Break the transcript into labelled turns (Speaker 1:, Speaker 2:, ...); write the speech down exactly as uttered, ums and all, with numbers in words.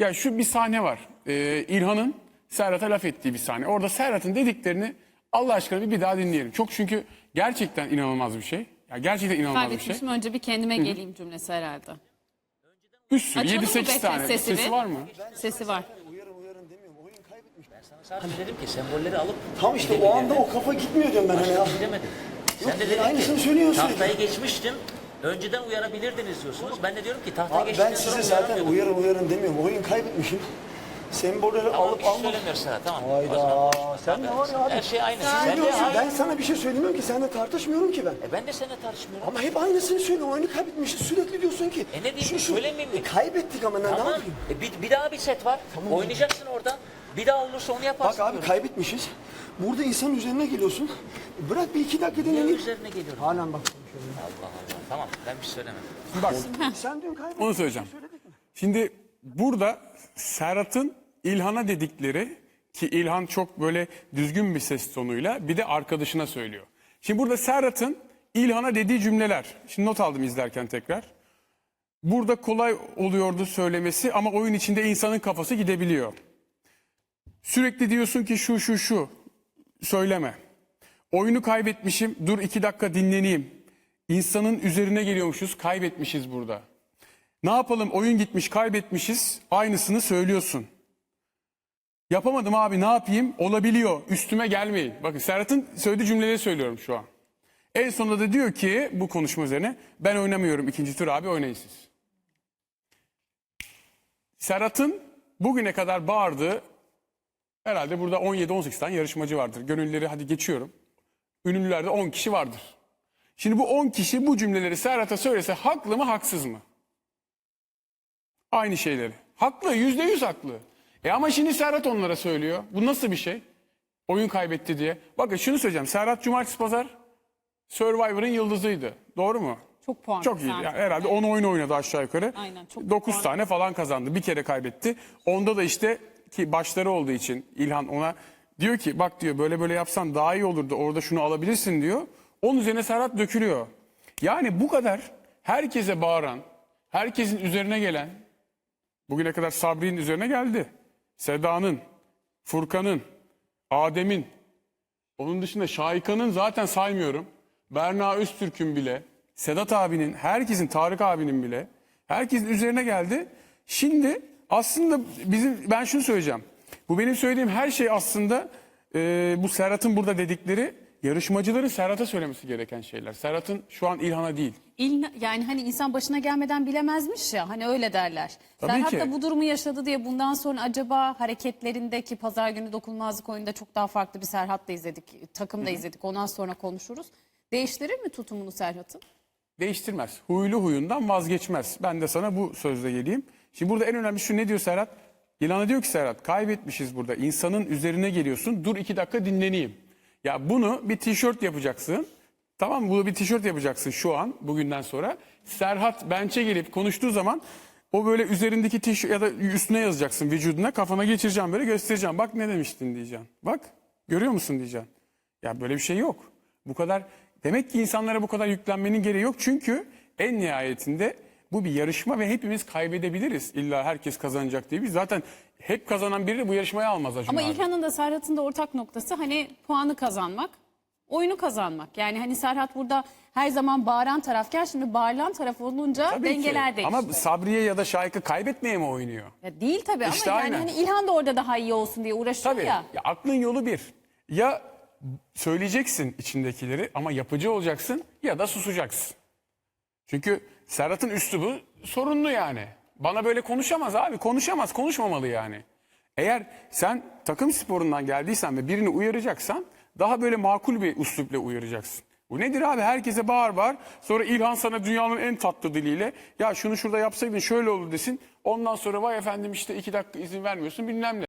Speaker 1: Ya şu bir sahne var. Ee, İlhan'ın Serhat'a laf ettiği bir sahne. Orada Serhat'ın dediklerini Allah aşkına bir, bir daha dinleyelim. Çok çünkü gerçekten inanılmaz bir şey. Ya gerçekten inanılmaz bir şey.
Speaker 2: Kaybetmişim, önce bir kendime geleyim cümlesi herhalde.
Speaker 1: Bir sürü
Speaker 2: Açalım
Speaker 1: yedi
Speaker 2: mı
Speaker 1: sekiz
Speaker 2: Bekir
Speaker 1: tane.
Speaker 2: sesi
Speaker 1: Sesi
Speaker 2: bir?
Speaker 1: var mı?
Speaker 2: Sesi var.
Speaker 3: Uyarın uyarın demiyorum. Oyun kaybetmiş. Ben sana
Speaker 4: Sadece dedim ki sembolleri alıp
Speaker 3: tam işte o anda o kafa gitmiyor diyorum ben hani ya.
Speaker 4: demedim.
Speaker 3: Yok,
Speaker 4: Sen de dedin
Speaker 3: aynısını
Speaker 4: ki
Speaker 3: söylüyorsun.
Speaker 4: tahtayı geçmiştim. Önceden uyarabilirdiniz diyorsunuz. Ben de diyorum ki tahtayı
Speaker 3: Abi
Speaker 4: geçtikten
Speaker 3: ben
Speaker 4: sonra
Speaker 3: size zaten
Speaker 4: uyaramıyordum.
Speaker 3: uyarın uyarın demiyorum. Oyun kaybetmişim. Sembolleri
Speaker 4: Tamam,
Speaker 3: alıp
Speaker 4: bir şey
Speaker 3: almak.
Speaker 4: söylemiyoruz sana, tamam.
Speaker 3: Hayda. Sen ne var ya abi?
Speaker 4: Her şey aynı. Sen de
Speaker 3: Söylüyorsun.
Speaker 4: aynı.
Speaker 3: Ben sana bir şey söylemiyorum ki. Seninle tartışmıyorum ki ben.
Speaker 4: E ben de seninle tartışmıyorum.
Speaker 3: Ama hep aynısını söylüyorsun. Oyunu kaybetmişiz. Sürekli diyorsun ki.
Speaker 4: E ne diyeyim,
Speaker 3: şu, şu.
Speaker 4: söylemeyeyim mi?
Speaker 3: E kaybettik ama ne, ne
Speaker 4: Tamam.
Speaker 3: yapayım?
Speaker 4: E bir, bir daha bir set var. Oynayacaksın orada. Bir daha olursa onu yaparsın.
Speaker 3: Bak abi
Speaker 4: diyorum.
Speaker 3: kaybetmişiz. Burada insanın üzerine geliyorsun. Bırak bir iki dakika
Speaker 4: Niye
Speaker 3: dinleneyim.
Speaker 4: üzerine geliyorum?
Speaker 3: Halen bak konuşuyorum.
Speaker 4: Allah Allah. Tamam, ben bir şey söylemem.
Speaker 1: Bak
Speaker 3: Sen dün kaybettin.
Speaker 1: onu söyleyeceğim. Şimdi burada Serhat'ın İlhan'a dedikleri, ki İlhan çok böyle düzgün bir ses tonuyla bir de arkadaşına söylüyor. Şimdi burada Serhat'ın İlhan'a dediği cümleler. Şimdi not aldım izlerken tekrar. Burada kolay oluyordu söylemesi ama oyun içinde insanın kafası gidebiliyor. Sürekli diyorsun ki şu şu şu söyleme. Oyunu kaybetmişim, dur iki dakika dinleneyim. İnsanın üzerine geliyormuşuz, kaybetmişiz burada. Ne yapalım, oyun gitmiş, kaybetmişiz, aynısını söylüyorsun. Yapamadım abi, ne yapayım, olabiliyor, üstüme gelmeyin. Bakın Serhat'ın söylediği cümleleri söylüyorum şu an. En sonunda da diyor ki bu konuşma üzerine, ben oynamıyorum ikinci tur abi, oynayın siz. Serhat'ın bugüne kadar bağırdığı, herhalde burada on yedi on sekiz tane yarışmacı vardır. Gönüllüleri hadi geçiyorum. Ünlülerde on kişi vardır. Şimdi bu on kişi bu cümleleri Serhat'a söylese haklı mı haksız mı? Aynı şeyleri. Haklı, yüzde yüz haklı. E ama şimdi Serhat onlara söylüyor. Bu nasıl bir şey? Oyun kaybetti diye. Bakın şunu söyleyeceğim. Serhat Cumartesi Pazar Survivor'ın yıldızıydı. Doğru mu?
Speaker 2: Çok puan
Speaker 1: Çok iyi.
Speaker 2: kazandı.
Speaker 1: Yani herhalde on oyun oynadı aşağı yukarı.
Speaker 2: Aynen, çok
Speaker 1: dokuz
Speaker 2: puan.
Speaker 1: tane falan kazandı. Bir kere kaybetti. Onda da işte ki başları olduğu için İlhan ona diyor ki bak diyor böyle böyle yapsan daha iyi olurdu. Orada şunu alabilirsin diyor. Onun üzerine Serhat dökülüyor. Yani bu kadar herkese bağıran, herkesin üzerine gelen, bugüne kadar Sabri'nin üzerine geldi. Seda'nın, Furkan'ın, Adem'in, onun dışında Şahika'nın zaten saymıyorum. Berna Öztürk'ün bile, Sedat abinin, herkesin, Tarık abinin bile, herkesin üzerine geldi. Şimdi aslında bizim, ben şunu söyleyeceğim. Bu benim söylediğim her şey aslında e, bu Serhat'ın burada dedikleri yarışmacıların Serhat'a söylemesi gereken şeyler. Serhat'ın şu an İlhan'a değil.
Speaker 2: İl, yani hani insan başına gelmeden bilemezmiş ya, hani öyle derler.
Speaker 1: Tabii
Speaker 2: Serhat
Speaker 1: ki.
Speaker 2: da bu durumu yaşadı diye bundan sonra acaba hareketlerindeki pazar günü dokunulmazlık oyunda çok daha farklı bir Serhat da izledik. Takım da izledik. Ondan sonra konuşuruz. Değiştirir mi tutumunu Serhat'ın?
Speaker 1: Değiştirmez. Huylu huyundan vazgeçmez. Ben de sana bu sözle geleyim. Şimdi burada en önemli şu, ne diyor Serhat? İlhan'a diyor ki Serhat, kaybetmişiz burada. İnsanın üzerine geliyorsun. Dur iki dakika dinleneyim. Ya bunu bir tişört yapacaksın. Tamam mı? Bunu bir tişört yapacaksın şu an, bugünden sonra. Serhat bench'e gelip konuştuğu zaman o böyle üzerindeki tişört ya da üstüne yazacaksın vücuduna. Kafana geçireceğim, böyle göstereceğim. Bak ne demiştin diyeceksin. Bak görüyor musun diyeceksin. Ya böyle bir şey yok. Bu kadar, demek ki insanlara bu kadar yüklenmenin gereği yok. Çünkü en nihayetinde bu bir yarışma ve hepimiz kaybedebiliriz. İlla herkes kazanacak diye. Biz zaten hep kazanan biri de bu yarışmayı almaz Acun
Speaker 2: Ama
Speaker 1: abi.
Speaker 2: İlhan'ın da Serhat'ın da ortak noktası hani puanı kazanmak, oyunu kazanmak. Yani hani Serhat burada her zaman bağıran tarafken şimdi bağırılan taraf olunca
Speaker 1: Tabii ki.
Speaker 2: dengeler değişiyor.
Speaker 1: Ama Sabriye ya da Şahika kaybetmeye mi oynuyor?
Speaker 2: Ya değil tabii
Speaker 1: İşte
Speaker 2: ama yani
Speaker 1: aynen.
Speaker 2: hani İlhan da orada daha iyi olsun diye uğraşıyor
Speaker 1: Tabii.
Speaker 2: ya.
Speaker 1: Ya aklın yolu bir. Ya söyleyeceksin içindekileri ama yapıcı olacaksın ya da susacaksın. Çünkü Serhat'ın üslubu sorunlu yani. Bana böyle konuşamaz abi. Konuşamaz, konuşmamalı yani. Eğer sen takım sporundan geldiysen ve birini uyaracaksan daha böyle makul bir üslupla uyaracaksın. Bu nedir abi? Herkese bağır bağır. Sonra İlhan sana dünyanın en tatlı diliyle ya şunu şurada yapsaydın şöyle olur desin. Ondan sonra vay efendim işte iki dakika izin vermiyorsun bilmem ne.